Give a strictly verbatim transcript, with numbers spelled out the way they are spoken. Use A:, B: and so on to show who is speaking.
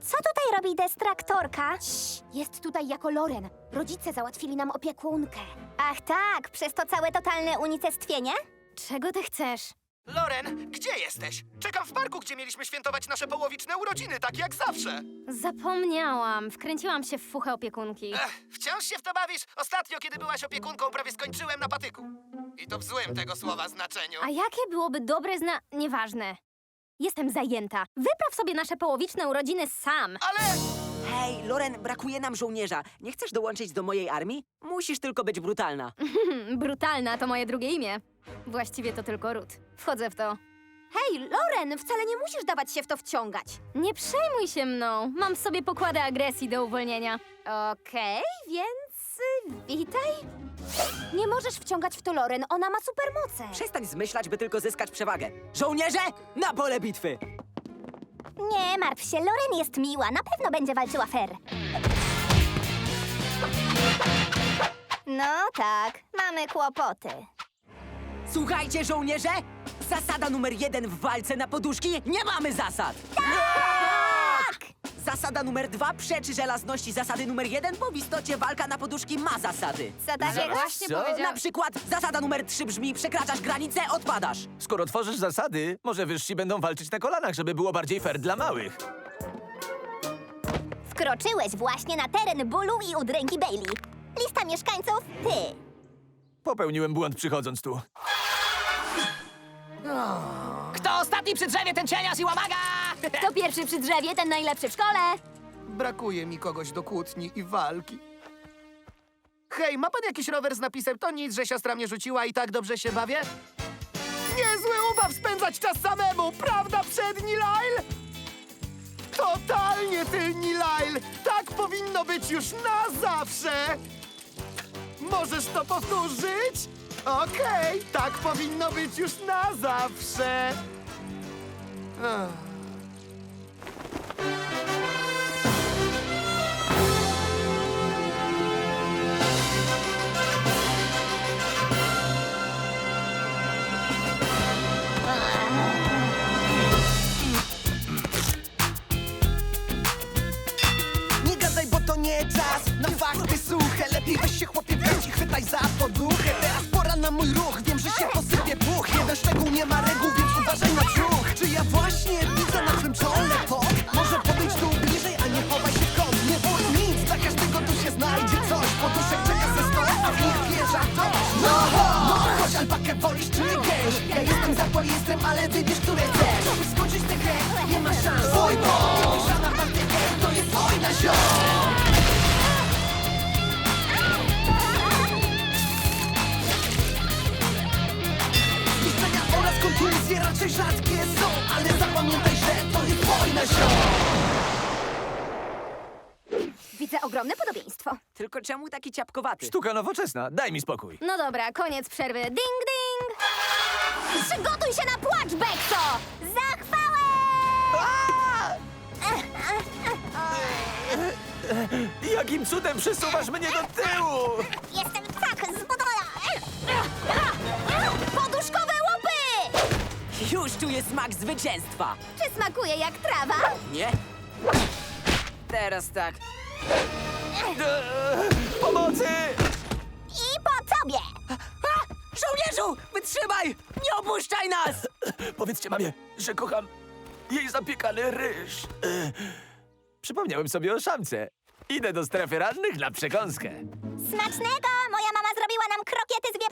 A: Co tutaj robi destraktorka? Cii, jest tutaj jako Loren. Rodzice załatwili nam opiekunkę. Ach tak, przez to całe totalne unicestwienie? Czego ty chcesz?
B: Loren, gdzie jesteś? Czekam w parku, gdzie mieliśmy świętować nasze połowiczne urodziny, tak jak zawsze.
C: Zapomniałam. Wkręciłam się w fuchę opiekunki.
B: Ech, wciąż się w to bawisz? Ostatnio, kiedy byłaś opiekunką, prawie skończyłem na patyku. I to w złym tego słowa znaczeniu.
C: A jakie byłoby dobre zna... Nieważne. Jestem zajęta. Wypraw sobie nasze połowiczne urodziny sam.
B: Ale...
D: Hej, Loren, brakuje nam żołnierza. Nie chcesz dołączyć do mojej armii? Musisz tylko być brutalna.
C: Brutalna to moje drugie imię. Właściwie to tylko Ruth. Wchodzę w to.
A: Hej, Loren, wcale nie musisz dawać się w to wciągać.
C: Nie przejmuj się mną. Mam w sobie pokłady agresji do uwolnienia.
A: Okej, więc y, witaj. Nie możesz wciągać w to Loren, ona ma supermoce.
D: Przestań zmyślać, by tylko zyskać przewagę. Żołnierze, na pole bitwy!
A: Nie martw się, Loren jest miła, na pewno będzie walczyła fair. No tak, mamy kłopoty.
D: Słuchajcie, żołnierze! Zasada numer jeden w walce na poduszki: nie mamy zasad!
A: Tak!
D: Zasada numer dwa przeczy żelazności zasady numer jeden, bo w istocie walka na poduszki ma zasady.
A: Co takiego?
C: Właśnie
E: Co?
C: powiedziałam.
D: Na przykład zasada numer trzy brzmi: przekraczasz granicę, odpadasz.
E: Skoro tworzysz zasady, może wyżsi będą walczyć na kolanach, żeby było bardziej fair dla małych.
A: Wkroczyłeś właśnie na teren bólu i udręki Bailey. Lista mieszkańców ty.
E: Popełniłem błąd przychodząc tu.
F: Kto ostatni przy drzewie, ten cienias i łamaga!
C: Kto pierwszy przy drzewie, ten najlepszy w szkole.
B: Brakuje mi kogoś do kłótni i walki. Hej, ma pan jakiś rower z napisem "To nic, że siostra mnie rzuciła i tak dobrze się bawię"? Niezły ubaw spędzać czas samemu, prawda, przedni Lyle? Totalnie tylni Lyle! Tak powinno być już na zawsze! Możesz to powtórzyć? Okej, tak powinno być już na zawsze! Ach.
G: Nie gadaj, bo to nie czas na fakty suche. Lepiej weź się, chłopie, weź i chwytaj za poduchę. Teraz pora na mój ruch, wiem, że się posypie puch. Jeden szczegół nie ma reguł, więc uważaj na brzuch. Czy ja właśnie widzę na twym czole pot? Może podejdź tu bliżej, a nie chowaj się w kąt. Nie bój nic, dla każdego tu się znajdzie coś. Poduszek czeka ze sto, a w nich wieża to. No, no, chodź, alpakę wolisz czy gęś? Ja jestem zapalistym, ale wybierz, które chcesz. Żeby skończyć tę grę, nie ma szans. Twój bok, nie bądź żadna partykę, to jest wojna, ziom. Zniszczenia oraz kontuzje raczej rzadkie są, ale zapamiętaj, że to jest wojna, ziom.
A: Widzę ogromne podobieństwo.
D: Tylko czemu taki ciapkowaty?
E: Sztuka nowoczesna, daj mi spokój.
C: No dobra, koniec przerwy. Ding, ding!
A: Przygotuj się na płacz, Bekto! Za chwałę!
E: Jakim cudem przesuwasz mnie do tyłu?
A: Jestem tak zbudowana! Poduszkowe łupy!
D: Już czuję smak zwycięstwa.
A: Czy smakuje jak trawa?
D: Nie? Teraz tak.
E: Eee, Pomocy!
A: I po tobie!
D: A! Żołnierzu! Wytrzymaj! Nie opuszczaj nas!
E: Powiedzcie mamie, że kocham jej zapiekany ryż. Eee, Przypomniałem sobie o szamce. Idę do strefy rannych na przekąskę.
A: Smacznego! Moja mama zrobiła nam krokiety z